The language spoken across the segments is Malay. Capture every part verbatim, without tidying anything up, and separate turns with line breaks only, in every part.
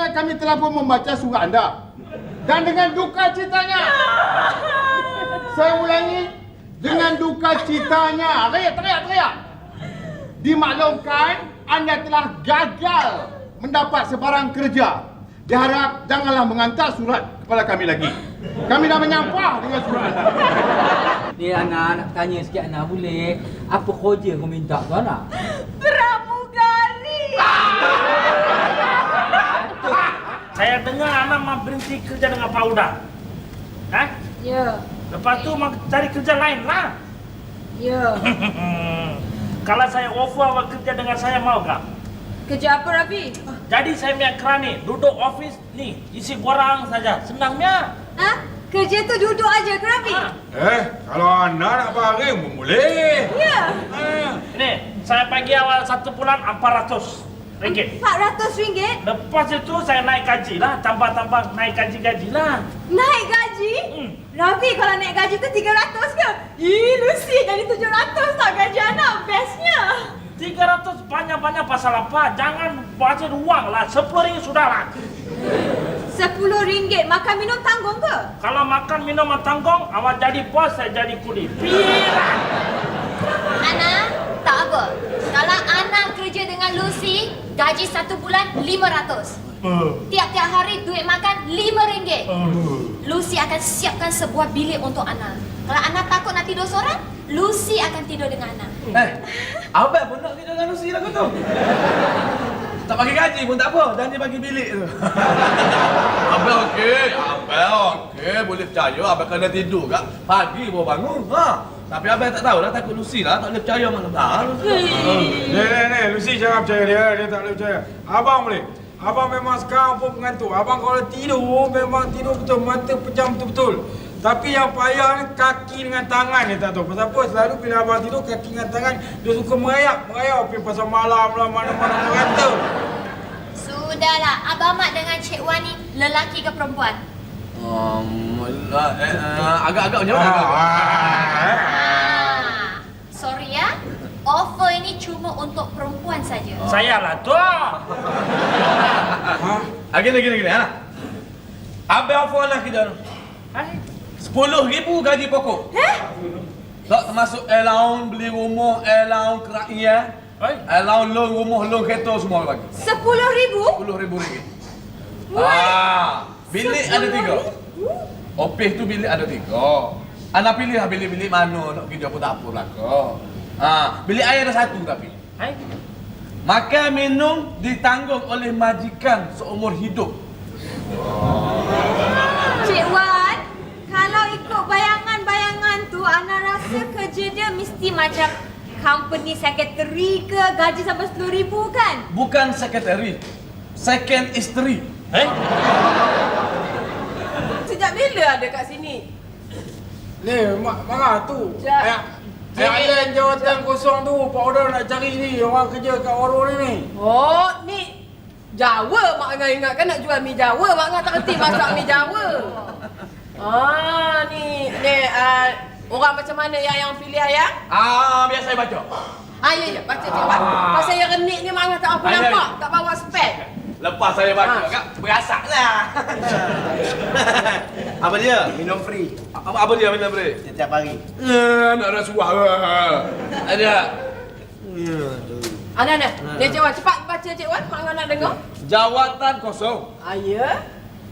Sebenarnya kami telah pun membaca surat anda. Dan dengan duka citanya. Saya ulangi. Dengan duka citanya. Teriak, teriak, teriak. Dimaklumkan anda telah gagal mendapat sebarang kerja. Diharap janganlah mengantar surat kepada kami lagi. Kami dah menyampah dengan surat anda.
Ni Ana, nak tanya sikit Ana boleh? Apa kerja kau minta tu Ana?
Pramugari.
Saya dengar Ana mau berhenti kerja dengan Pak Udang. Hah?
Ya.
Lepas tu mau cari kerja lain lah.
Ya.
Kalau saya offer awak kerja dengan saya, mau tak?
Kerja apa Rafi?
Jadi saya punya kerani, duduk office ni, isi borang saja. Senangnya.
Hah? Kerja tu duduk aja ke Rafi?
Ha.
Eh, kalau anda nak baring pun boleh.
Ya.
Ha. Ni, saya bagi awal satu bulan empat ratus ringgit.
empat ratus ringgit?
Lepas itu saya naik gaji lah, tambah-tambah naik gaji-gaji lah.
Naik gaji?
Hmm.
Rafi, kalau naik gaji tu tiga ratus ke? Ih, Lucy jadi tujuh ratus tak gaji anak. Bestnya.
tiga ratus banyak-banyak pasal apa? Jangan baca uang lah, sepuluh ringgit sudah lah.
sepuluh ringgit makan minum tanggung ke?
Kalau makan minum tanggung, awak jadi bos, saya jadi kuli. Pirang.
Ana, tak apa. Kalau Ana kerja dengan Lucy, gaji satu bulan lima ratus. Tiap-tiap hari duit makan lima ringgit. Lucy akan siapkan sebuah bilik untuk Ana. Kalau Ana takut nak tidur seorang, Lucy akan tidur dengan Ana.
Eh, Abang pun nak tidur dengan Lucy lah kau tu. Tak bagi gaji pun tak apa, dan dia bagi bilik tu. Abang okey, abang okey, boleh percaya abang kena tidur kak. Pagi baru bangun. Ha. Tapi abang tak tahu dah, takut Lucy lah, tak boleh percaya mana dah.
Ni, ni, ni, Lucy jangan percaya dia, dia tak boleh percaya. Abang boleh. Abang memang sekarang pun mengantuk. Abang kalau tidur, memang tidur betul, mata pejam betul-betul. Tapi yang payah ni kaki dengan tangan ni tak tahu. Pasal apa? Selalu bila abang tidur, kaki dengan tangan dia suka merayap. Merayap pergi pasal malam lah, mana-mana merata.
Sudahlah, Abang Mat dengan Cik Wan ni lelaki ke perempuan?
Um, uh, eh, uh, agak-agak macam mana?
Ah, sorry ya, offer ini cuma untuk perempuan saja.
Saya lah tu.
Ha?
Ah, gini, gini, gini. Ha? Abang offer lah kita. Sepuluh ribu gaji pokok.
Eh?
Tak termasuk allowance beli rumah, allowance kerakyat, allowance loan rumah, loan kereta semua bagi.
Sepuluh ribu?
Sepuluh ribu ringgit.
Wah.
Ah, bilik ada tiga. Office tu bilik ada tiga. Anak pilih lah bilik-bilik mana nak kerja pun tak apa lah kau. Ah, bilik air ada satu tapi.
Hai.
Makan minum ditanggung oleh majikan seumur hidup.
Cik Wan, kalau ikut bayangan-bayangan tu, Ana rasa kerja dia mesti macam company secretary ke, gaji sampai sepuluh ribu kan?
Bukan sekretari, second isteri.
Eh?
Sejak bila ada kat sini?
Ni, mak marah tu.
Jap.
Ayah, ayah lain jawatan kosong tu. Pak Order nak cari ni, orang kerja kat warung ni ni.
Oh, ni Jawa mak Angah ingatkan nak jual mi Jawa. Mak Angah tak kerti masak mi Jawa. Ah, ni ni uh, orang macam mana yang yang pilih ayah?
Ah, biar saya baca.
Ah, ya, ya, baca Cik Wan. Pasal yang renik ni Mak Angah tak apa
Ah, ya,
nampak,
ya.
tak bawa spek.
Lepas saya baca,
Ah.
kak, berasak lah.
Apa dia? Minum free
Apa, apa dia minum free?
setiap hari.
Eh, nak rasuah lah. Ada.
Ana, Ana. Ni Cik Wan, cepat baca Cik Wan. Mak Angah nak dengar.
Jawatan kosong.
Ah, ya.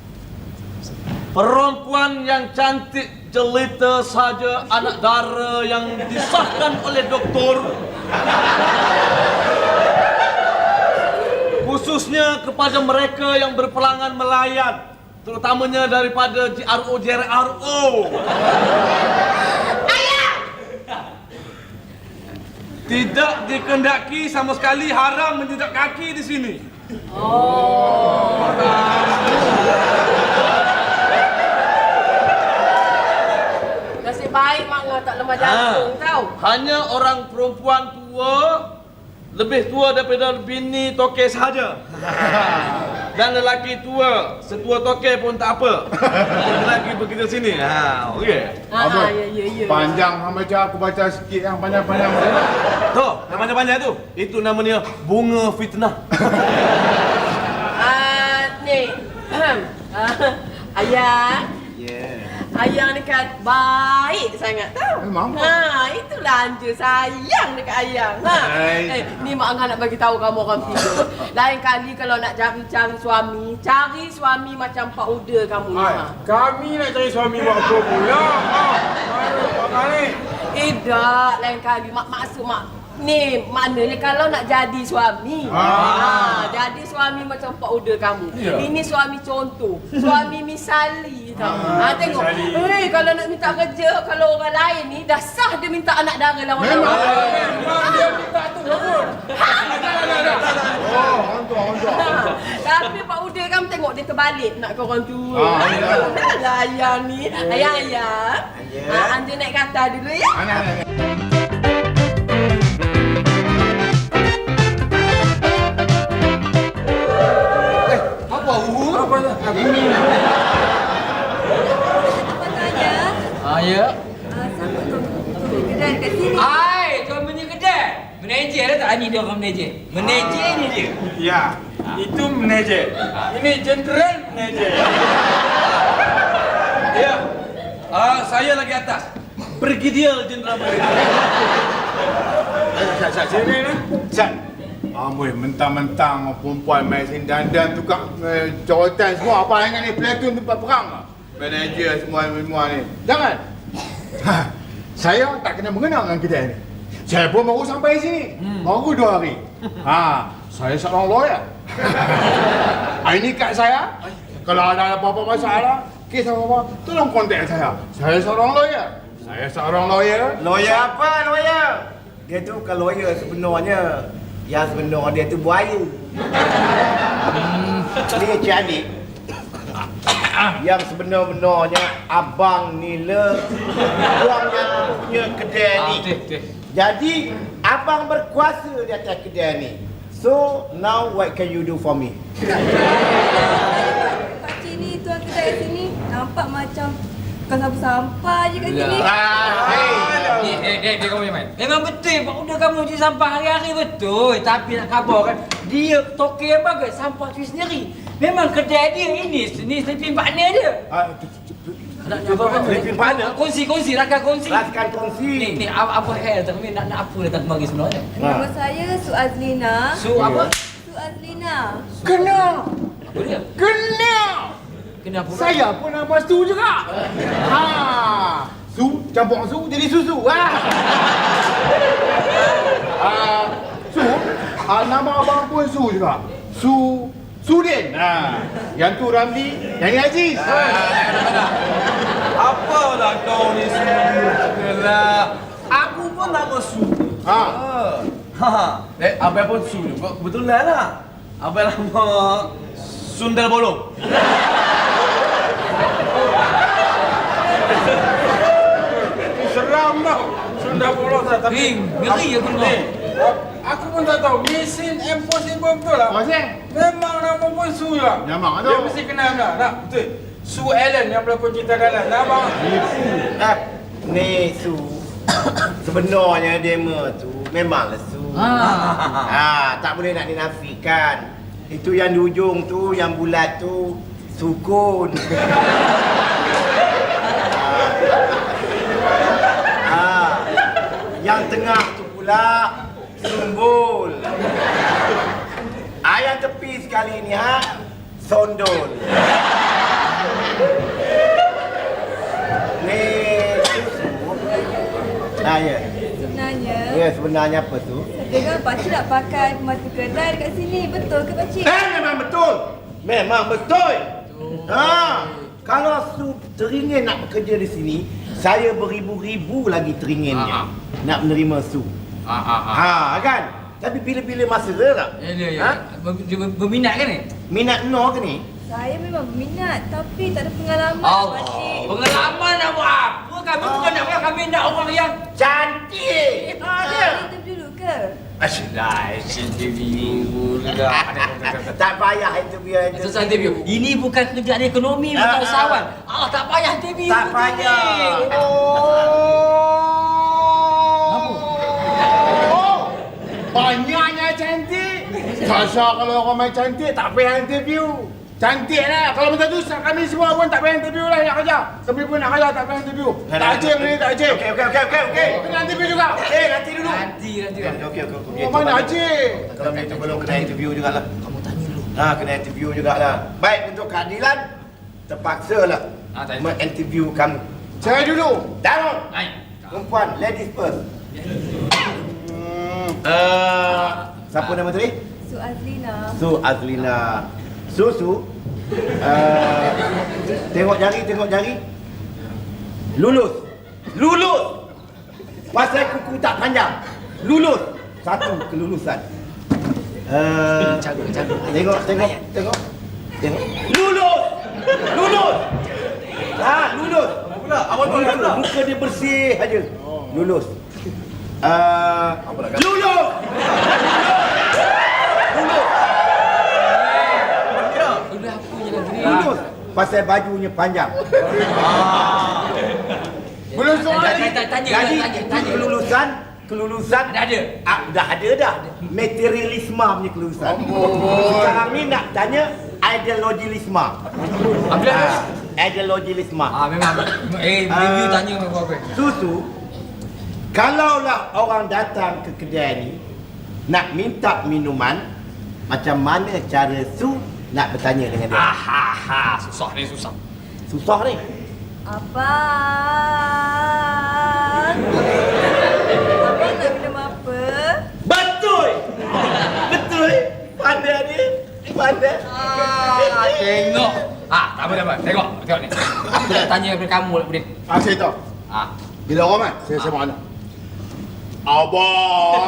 Perempuan yang cantik jelita saja anak dara yang disahkan oleh doktor. Khususnya kepada mereka yang berpelangan melayan, terutamanya daripada J R O J R O.
Ayah!
Tidak dikendaki sama sekali, haram menjejak kaki di sini.
Oh. Nasib baik Mak Angah tak lemah jantung
Ah.
tau.
Hanya orang perempuan tua, lebih tua daripada bini toke sahaja. Dan lelaki tua, setua toke pun tak apa. Lelaki begitu sini. Ha, okey.
Ah,
Abang,
ya, ya, ya.
panjang hang baca, aku baca sikit yang panjang-panjang.
Tu, yang panjang-panjang tu, itu namanya bunga fitnah.
Ah, ni Ayang.
Yeah.
Ayang dekat baik sangat tau.
Memang.
Ha, itulah anja sayang dekat ayang. Ha.
Hai.
Eh, ni mak Angah nak bagi tahu kamu orang tidur. Lain kali kalau nak cari-cari suami, cari suami macam Pak Uda kamu ni.
Hai,
Ha.
kami nak cari suami buat apa pula? Ha, mana Mak ni?
Eh dak, lain kali mak maksud mak ni maknanya kalau nak jadi suami.
Ah.
Ha, jadi suami macam Pak Uda kamu.
Ya.
Ini suami contoh, suami misali tau. Ha, tengok.
misali.
Eh kalau nak minta kerja kalau orang lain ni dah sah dia minta anak dara lawan-lawan.
Memang dia minta tu pun.
Oh, hantu, hantu.
Ha, tapi Pak Uda kamu tengok dia terbalik nak ke orang tua.
Ah, ya.
Alah ayang ni. Ayang ayang. Ha, anda naik kata dulu ya.
Anak, anak, anak.
Apa hu?
Apa tu?
Ini
Apa tanya?
Ah, ya.
Ah, siapa tu? Tu, kedai dekat sini.
Ai, tuan punya kedai. Manager dah tak? Ni dia orang manager. Manager ni dia.
Ya, itu manager. Ini general manager.
Ya. Ah, saya lagi atas. Brigadier Jenderal Manager.
Sat, sat, sini ni.
Sat. Amboi, mentang-mentang perempuan main sini dandan tukang eh, jawatan semua. Apa yang ni platoon tempat perang lah. Manager semua semua ni. Jangan. Ha, saya tak kena mengenal dengan kedai ni. Saya pun baru sampai sini. Hmm. Baru dua hari. Ha, saya seorang lawyer. Ini kad saya. Kalau ada apa-apa masalah, kes apa-apa, tolong kontak saya. Saya seorang lawyer. Saya seorang lawyer.
Lawyer apa lawyer? Dia tu bukan lawyer sebenarnya. Yang sebenar dia tu buaya. Ni Cik Adik. Yang sebenar-benarnya Abang Nila Tuang yang punya kedai ni. Jadi Abang berkuasa di atas kedai ni. So now what can you do for me?
Pakcik ni, tuan kedai kat sini nampak macam bukan sampah-sampah je kat sini.
Ni, eh, eh, dia kamu main. Memang betul Pak Uda kamu cuci sampah hari-hari betul. Tapi nak khabar kan, dia toke yang bagus sampah cuci sendiri. Memang kedai dia ini, ni sleeping partner dia.
Ah,
Nak apa apa?
Sleeping partner?
Kongsi, kongsi, rakan kongsi.
Rakan kongsi.
Ni, ni apa apa hal tak nak nak apa datang kemari sebenarnya?
Nama saya Su Azlina.
Su apa?
Su Azlina.
Kena.
Apa dia?
Kena.
Kenapa?
Saya pun nama Su juga. Ha. Su campur su jadi susu. Ha. Ah, Su. Ah, nama abang pun Su juga. Su Sudin. Ha. Yang tu Ramli, yang ni Aziz.
Apalah kau ni semua. Aku pun nama Su.
Ha.
Ha. Eh, abang pun Su juga. Kebetulan lah. Abang nama Sundal Bolong.
Seram tau. Sunda bolos dah tapi.
Ring, ngeri aku
Ni,
dengar.
aku pun tak tahu. Mission Impossible betul lah.
Masih?
Memang nama pun Su lah.
Memang
Dia
tu.
mesti kenal tak? Tak, betul. Su Allen yang berlakon cerita dalam. Nama.
Eh, ni Su. Sebenarnya demo tu memanglah Su. Ah, tak boleh nak dinafikan. Itu yang di ujung tu, yang bulat tu sukun. ah, yang tengah tu pula sumbul. Ah, yang tepi sekali ni ha, sondol. Ni Nah, ya.
Sebenarnya,
Ya, sebenarnya apa tu?
saya dengar pakcik nak pakai pembantu kedai dekat sini. Betul ke pakcik?
Eh, memang betul. Memang betul. Ha, kalau Su teringin nak bekerja di sini, saya beribu-ribu lagi teringinnya nak menerima Su. Ha, kan? Tapi bila-bila masa tak?
Ya, ya, ya.
Ha?
Ber- dia ber- Berminat kan ni?
Minat no ke ni?
Saya memang berminat tapi tak ada pengalaman
Allah.
pakcik.
Pengalaman nak buat apa? Kami bukan nak buat, kami nak orang yang
Cantik. Ha,
Ah,
dia.
interview dulu ke?
Asyik interview pula.
Tak payah interview interview.
Susah interview. Ini bukan kerjaan ekonomi, bukan
Ah,
usahawan.
ah.
Ah, tak payah interview.
Tak
betul
payah.
ni. Apa?
Oh, banyaknya cantik. Sasa kalau orang main cantik tak payah interview. Cantik lah. Kalau macam tu kami semua pun tak payah interview lah nak kerja. Kami pun nak kerja tak payah interview. Tak acik ni, tak acik.
Okey, okey, okey, okey, okey.
Kena interview juga.
Eh, nanti dulu.
Nanti, nanti.
Okey, okey, okey.
Oh, mana acik?
Kalau macam tu belum kena interview jugalah. Kamu tanya dulu. Ha, kena interview jugalah. Baik, untuk keadilan, terpaksa lah
Ah, tak
menginterview kamu.
Saya dulu.
Darul.
Hai.
Perempuan, ladies first. Uh, siapa nama tadi?
Su Azlina.
Su Azlina. Susu. Uh, tengok jari, tengok jari. Lulus. Lulus. Pasal kuku tak panjang. Lulus. Satu kelulusan. Uh, tengok, tengok, tengok. Tengok. Lulus. Lulus. Ha, lulus.
Awak tu
Lulus. Muka dia bersih aja. Lulus. Uh, lulus. Lulus.
Udah aku je lah gini.
Lulus. Pasal bajunya panjang.
Belum soal lagi.
Tanya, tanya,
Jadi
tanya, tanya.
kelulusan, kelulusan
Dah ada?
Ah, dah ada dah. Materialisme punya kelulusan. Sekarang ni nak tanya ideologilisme.
Apa dia?
Ah, ideologilisme.
Ah, memang. Eh, review
Ah.
tanya memang apa.
Susu, kalaulah orang datang ke kedai ni nak minta minuman, macam mana cara Su nak bertanya dengan dia?
Ah, ha, ha. Susah ni, susah.
Susah ni.
Abang. Abang nak minum apa?
Betul. Betul. Pandai dia. Pandai.
Ah, tengok. Ah, tak apa, tak apa. Tengok, tengok ni. Aku nak tanya kepada kamu lah, Budin.
Ah, saya tahu.
Ah.
Bila orang kan, saya sama anak. Abang.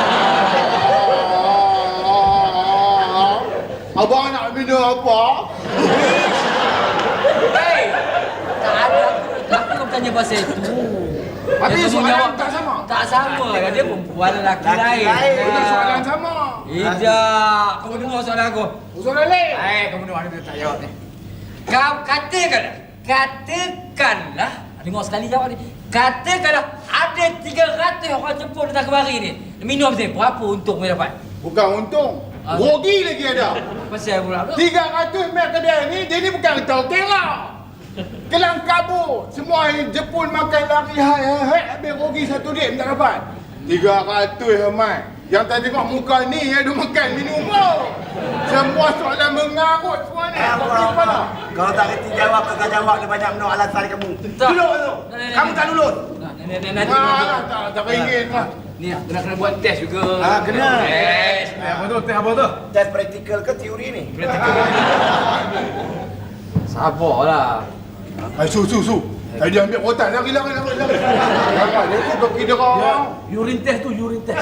Abang nak minum apa?
Hei! Tak ada. Aku nak bertanya pasal itu.
Tapi
Dia
soalan
jawab,
tak sama.
Tak sama. Dia perempuan lelaki
Lelaki
lain.
lain.
Betul
Ah.
soalan sama.
Tidak. Kamu dengar soalan aku.
Soalan lain.
Hai, kamu dengar dia tak jawab ni. Kau katakanlah, katakanlah, dengar sekali jawab ni. Katakanlah ada tiga ratus orang Jepun datang kemari ni. Minum dia, berapa untung kau dapat?
Bukan untung.
Ah.
Rogi lagi ada.
Pasal pula tu.
tiga ratus mil kedai ni, dia ni bukan hotel-hotel. Kelang kabut. Semua yang Jepun makan lari hai-hai, habis rogi satu duit tak dapat. tiga ratus Ahmad. Yang tak tengok muka ni, yang dia makan minum pun. Semua soalan mengarut semua ni.
Eh,
Kau
Allah,
kepala.
Allah. Kalau tak kerti jawab, kau jawab dia banyak benda alasan kamu.
Tak.
Duduk dulu. Kamu tak lulus.
Nah, nanti nanti
Ah, tak, tak ringin lah.
ni kena kena buat test juga.
Ah, kena.
Test.
Eh, apa tu? Teh apa tu?
Tes praktikal ke teori ni?
Sabarlah.
Hai, su, su, su. Tadi ambil rotan. Lari, lari, lari, lari. Lari, dia tu pergi dia orang.
Urine test tu, urine test.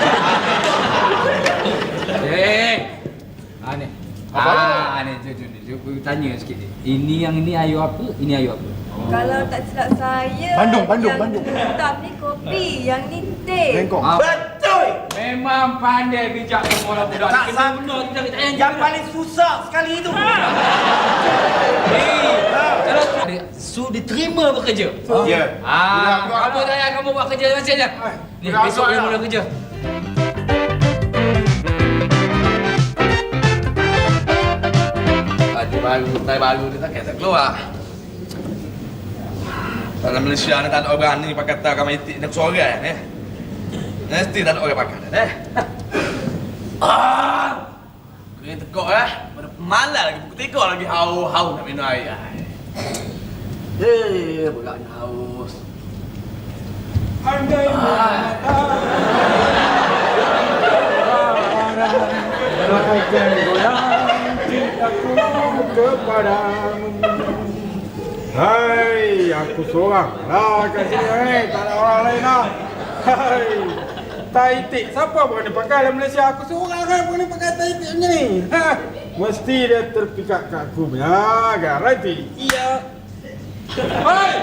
Eh. Ah ni.
Apa?
Ah ni tu tu ni. Aku tanya sikit. Ini yang ini air apa? Ini air apa?
Kalau tak silap saya,
Bandung, Bandung,
yang
Bandung.
hitam ni kopi, yang ni teh.
Bengkok.
Ah,
Betul.
memang pandai bijak semua orang budak.
Tak
Kena
sah.
benar kita kita tanya.
Yang paling susah sekali itu.
Eh, kalau ada su diterima bekerja.
Ya.
Ah, kamu tanya kamu buat kerja macam mana? Ni
Budak
besok
agak
dia
lah.
mula kerja.
Tadi baru, tadi baru dia tak kata keluar. Dalam Malaysia ni tak ada orang berani pakai kata kami itik nak seorang eh. Mesti tak ada orang pakai eh. Ah! Kena tekuk eh. Pada malam lagi pukul tiga lagi haus-haus nak minum air. Eh, bukan haus.
Andai bagaikan goyang cintaku kepadamu. Hai, aku seorang lah kat sini, hai. Tak ada orang lain lah. Hai, taitik. Siapa berani pakai dalam Malaysia? Aku seorang kan berani pakai taitik macam ni. Ha, mesti dia terpikat kat aku punya garanti. Iya. Hai.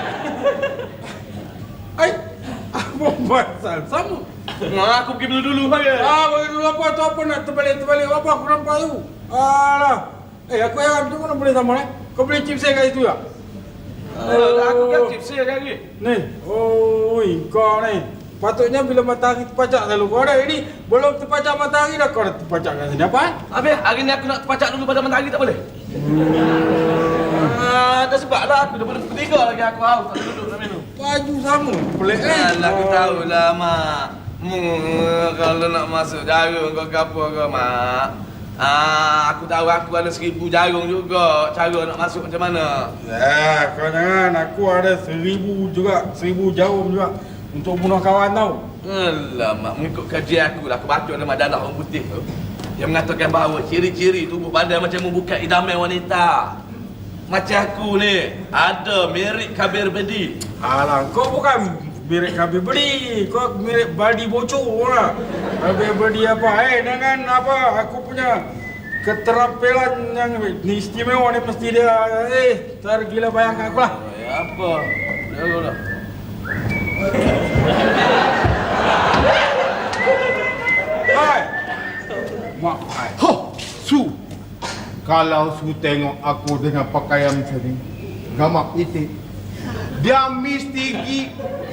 Hai. Apa pasal sama?
Nah, aku pergi dulu dulu bagi.
Ah, bagi dulu apa tu apa nak terbalik-terbalik apa aku nampak tu. Alah. Eh, aku heran tu mana boleh sama eh? Kau boleh chip saya kat situ tak?
Uh, aku kan chip saya lagi.
Ni. Oh, kau ni. Patutnya bila matahari terpacak selalu kau dah ini belum terpacak matahari dah kau dah terpacak kat sini apa?
Habis hari ni aku nak terpacak dulu pada matahari tak boleh? Ah, dah sebab lah aku dah pada pukul tiga lagi aku haus tak duduk nak minum.
Baju sama. Pelik eh.
Alah, aku tahulah, Mak. Hmm, kalau nak masuk jarum kau ke apa ke, Mak. Ah, aku tahu aku ada seribu jarum juga. Cara nak masuk macam mana?
Ya, kau jangan. Aku ada seribu juga. Seribu jarum juga. Untuk bunuh kawan tau.
Alah, Mak. Mengikut kajian aku lah. Aku baca dalam majalah orang putih tu. Yang mengatakan bahawa ciri-ciri tubuh badan macam membuka idaman wanita. Macam aku ni. Ada mirip kabir bedi.
Alah, kau bukan mirip kabir bedi. Kau mirip badi bocor lah. Kabir bedi apa? Eh, dengan apa? Aku punya keterampilan yang ni istimewa ni mesti dia. Eh, tergila bayangkan aku lah.
Eh, apa? Dah, dah, dah.
Hai. Mak, hai.
Ho, Su. Kalau Su tengok aku dengan pakaian macam ni, gamak itik, dia mesti gi.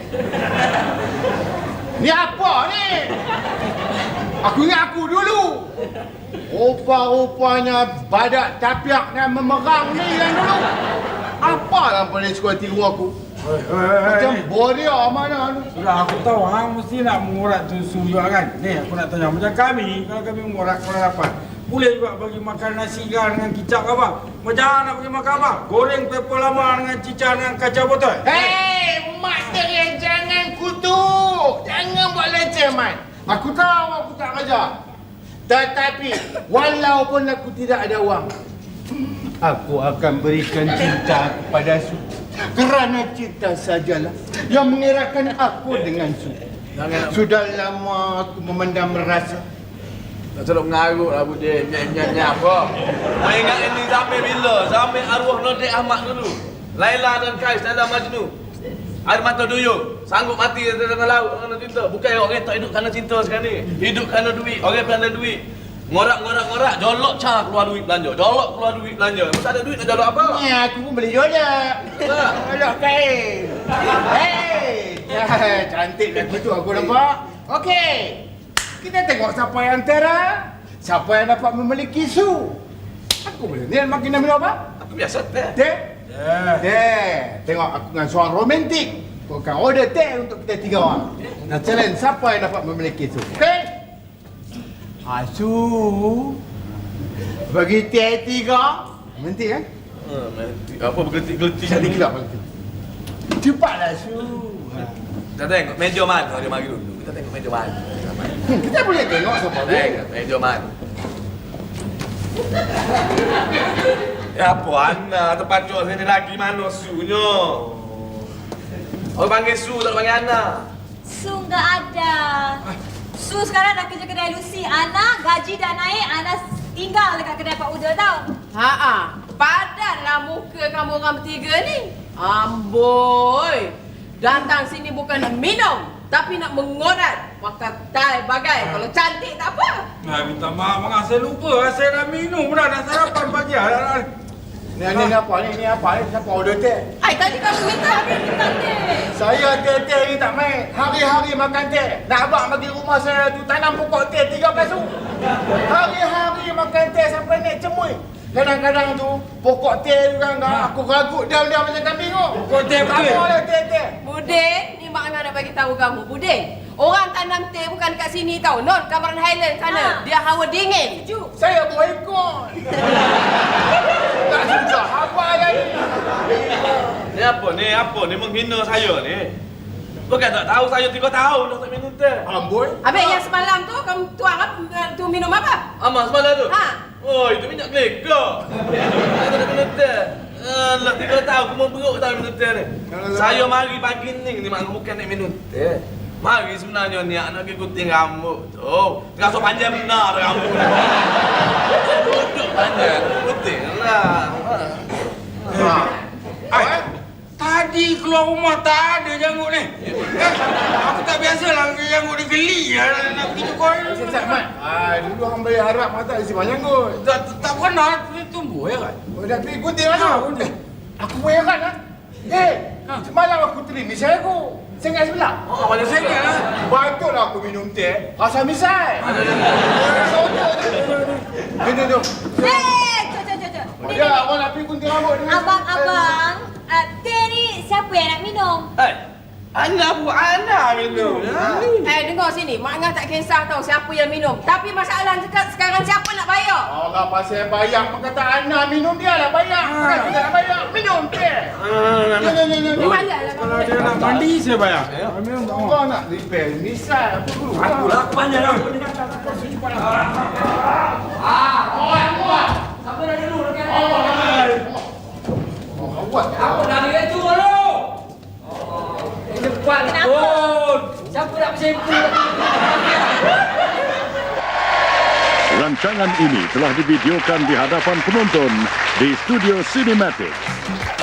Ni apa ni? Aku ingat aku dulu. Rupa-rupanya badak tapiak yang memerang ni yang dulu. Apa yang paling suka tiru aku?
Hei, hei,
Macam
hei.
bodia mana ni?
Sudah aku tahu hang mesti nak mengurat susu juga kan. Ni aku nak tanya macam kami, kalau kami mengurat korang dapat. Boleh juga bagi makan nasi kan dengan kicap apa? Macam mana nak bagi makan apa? Goreng pepper lama dengan cicak dengan kacang botol.
Hei, mak teriak jangan kutuk. Jangan buat leceh, Mat. Aku tahu aku tak kerja. Tetapi, walaupun aku tidak ada wang, aku akan berikan cinta kepada Su. Kerana cinta sajalah yang mengeratkan aku dengan Su. Sudah lama aku memendam rasa.
Tak selalu mengarut lah Budin. Nyanyi-nyanyi apa? Kau ingat ini sampai bila? Sampai arwah Nordek Ahmad dulu. Laila dan Kais dalam Majnun. Air mata duyung. Sanggup mati dalam laut kerana cinta. Bukan orang tak hidup kerana cinta sekarang ni. Hidup kerana duit. Orang kerana duit. Ngorak-ngorak-ngorak. Jolok cah keluar duit belanja. Jolok keluar duit belanja. Masa ada duit nak jolok apa?
Ni aku pun boleh jolak. Jolak kain. Hei, ya, cantik lagu tu aku nampak. Okey. Kita tengok siapa yang tera, siapa yang dapat memiliki Su. Aku boleh. Ni makin nak minum apa?
Aku biasa teh.
Teh?
Ya.
Teh. Tengok aku dengan suara romantik. Kau akan order teh untuk kita tiga orang. Nak challenge siapa yang dapat memiliki Su. Okey? Asu. Bagi teh tiga. Romantik kan?
Hmm, mati. Apa bergetik-getik
Jadi
ni?
gelap. Cepatlah Su.
Kita tengok meja mana dia mari dulu. Kita tengok meja mana.
Hmm, kita boleh tengok siapa dia.
Tengok meja mana. Ya apa Ana tempat jual sini lagi mana sunya? Orang panggil Su tak panggil Ana.
Su nggak ada. Su sekarang dah kerja kedai Lucy. Ana gaji dah naik. Ana tinggal dekat kedai Pak Uda tau.
Ha-ha. Padanlah muka kamu orang bertiga ni. Amboi. Datang sini bukan nak minum, tapi nak mengorat. Pakai tai bagai. Kalau cantik tak apa.
Nah, minta maaf mak, saya lupa. Saya dah minum dah, dah sarapan pagi. Dah,
Ni ni ni apa ni? Ni apa ni? Siapa order teh?
Ai, tadi kamu minta habis minta teh.
Saya teh-teh ni tak main. Hari-hari makan teh. Nak abang bagi rumah saya tu tanam pokok teh tiga belas su. Hari-hari makan teh sampai naik cemui. Kadang-kadang tu pokok teh tu kan aku ragut diam-diam macam kambing tu.
Pokok teh betul?
Apa lah teh-teh?
Budin, ni mak Angah nak bagi tahu kamu. Budin, orang tanam teh bukan dekat sini tau. Non, Cameron Highland sana.
Ha.
Dia hawa dingin.
Sejuk.
Saya boykot. Tak susah. Apa lagi?
Ni apa ni? Apa ni menghina saya ni? Bukan tak tahu saya tiga tahun dah tak minum teh.
Amboi.
Habis yang semalam tu kamu tuang apa? Tu minum apa?
Amak semalam tu?
Ha.
Oh, itu minyak keleka. Saya tak minum teh. Alah, tiga tahun aku mau beruk tak minum teh ni. Saya mari pagi ni ni mak bukan nak minum teh. Mari sebenarnya ni nak pergi gunting rambut tu. Terasa panjang benar rambut. Duduk panjang, gunting lah.
Ha.
Ai, tadi keluar rumah tak ada janggut ni. Eh, aku tak biasalah janggut dia geli lah nak pergi cukur.
Sesat Mat. Ah, dulu hang boleh harap mak tak isi banyak kot.
Tak, tak pernah dia tumbuh ya kan?
Oh, dah pergi gunting mana?
Ha, gunting.
Aku pun heran lah. Eh, semalam aku terlimis saya aku. Sengat sebelah.
Oh, mana saya lah.
Patutlah aku minum teh. Rasa misai. Rasa otot tu. Jom, jom, jom.
Eh, cok, cok, cok, cok. Ni,
Ya,
ni, ni.
awak nak pergi gunting rambut dengan
Abang-abang, uh, teh ni siapa yang nak minum?
Eh, Ana bu Ana minum.
Eh, dengar sini. Mak Ngah tak kisah tau siapa yang minum. Tapi masalah sekarang, sekarang siapa nak bayar?
Allah pasal bayar perkataan Ana minum dia lah bayar. Bukan kita nak bayar. Minum teh. Ni ni ni ni.
Ni bayarlah.
Kalau dia nak mandi, saya bayar. Minum tak mau.
Kau nak repair misal apa dulu?
Aku lapannya lah. Ah, muat, muat. Siapa dah dulu dekat ni?
Oh, awak.
Aku dah dia tu dulu. Oh, cepat pun. Siapa nak bersimpuh?
Rancangan ini telah divideokan di hadapan penonton di Studio Cinematic.